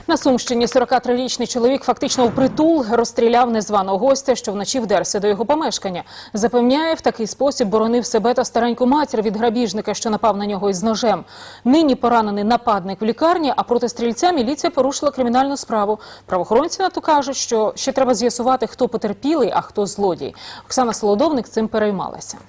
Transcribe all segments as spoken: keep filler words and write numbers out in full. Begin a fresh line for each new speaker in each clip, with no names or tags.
На Сумщині сорокатрирічний чоловік фактично впритул розстріляв незваного гостя, що вночі вдерся до його помешкання. Запевняє, в такий спосіб боронив себе та стареньку матір від грабіжника, що напав на нього із ножем. Нині поранений нападник в лікарні, а проти стрільця міліція порушила кримінальну справу. Правоохоронці на то кажуть, що ще треба з'ясувати, хто потерпілий, а хто злодій. Оксана Солодовник цим переймалася.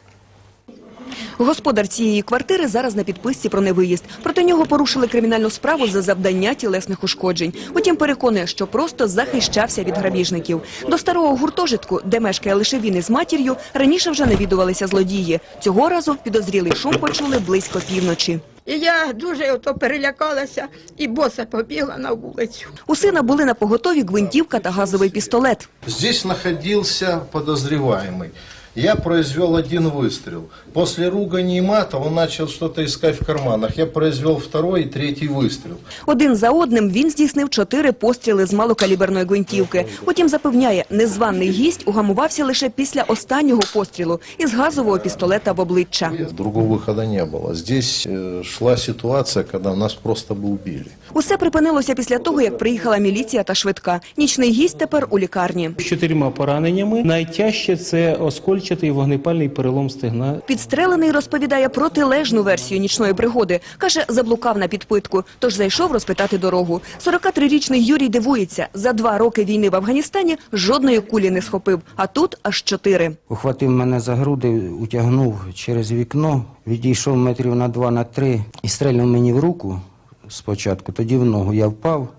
Господар цієї квартири зараз на підписці про невиїзд. Проти нього порушили кримінальну справу за завдання тілесних ушкоджень. Утім, переконує, що просто захищався від грабіжників. До старого гуртожитку, де мешкає лише він із матір'ю, раніше вже навідувалися злодії. Цього разу підозрілий шум почули близько півночі.
І я дуже ото перелякалася і боса побігла на вулицю.
У сина були на поготові гвинтівка та газовий пістолет.
Здесь находился подозреваемый. Я произвел один выстрел. После ругани и мата он начал что-то искать в карманах. Я произвел второй и третий выстрел.
Один за одним він здійснив чотири постріли з малокаліберної гвинтівки. Утім, запевняє, незваний гість угамувався лише після останнього пострілу із газового пістолета в обличчя.
Другого выхода не было. Здесь э, шла ситуация, когда нас просто бы убили.
Усе припинилося після того, як приїхала міліція та швидка. Нічний гість тепер у лікарні.
З чотирма пораненнями. Найтяжче – це оскольчатий вогнепальний перелом стегна.
Підстрелений розповідає протилежну версію нічної пригоди. Каже, заблукав на підпитку, тож зайшов розпитати дорогу. сорокатрирічний Юрій дивується, за два роки війни в Афганістані жодної кулі не схопив, а тут аж чотири.
Ухватив мене за груди, утягнув через вікно, відійшов метрів на два, на три і стрельнув мені в руку спочатку, тоді в ногу. Я впав.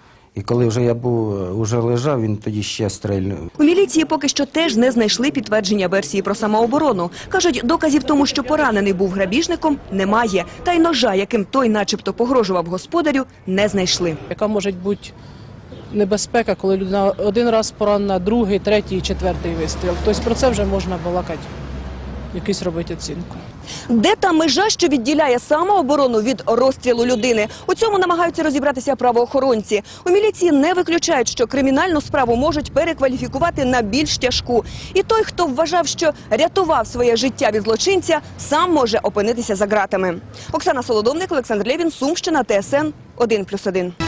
І коли вже я був, уже лежав, він тоді ще стрельнув.
У міліції поки що теж не знайшли підтвердження версії про самооборону. Кажуть, доказів тому, що поранений був грабіжником, немає. Та й ножа, яким той начебто погрожував господарю, не знайшли.
Яка може бути небезпека, коли людина один раз поранена, другий, третій, четвертий вистріл. Тобто про це вже можна балакати, якусь робити оцінку.
Де та межа, що відділяє самооборону від розстрілу людини? У цьому намагаються розібратися правоохоронці. У міліції не виключають, що кримінальну справу можуть перекваліфікувати на більш тяжку. І той, хто вважав, що рятував своє життя від злочинця, сам може опинитися за ґратами. Оксана Солодовник, Олександр Лєвін, Сумщина, Т С Н один плюс один.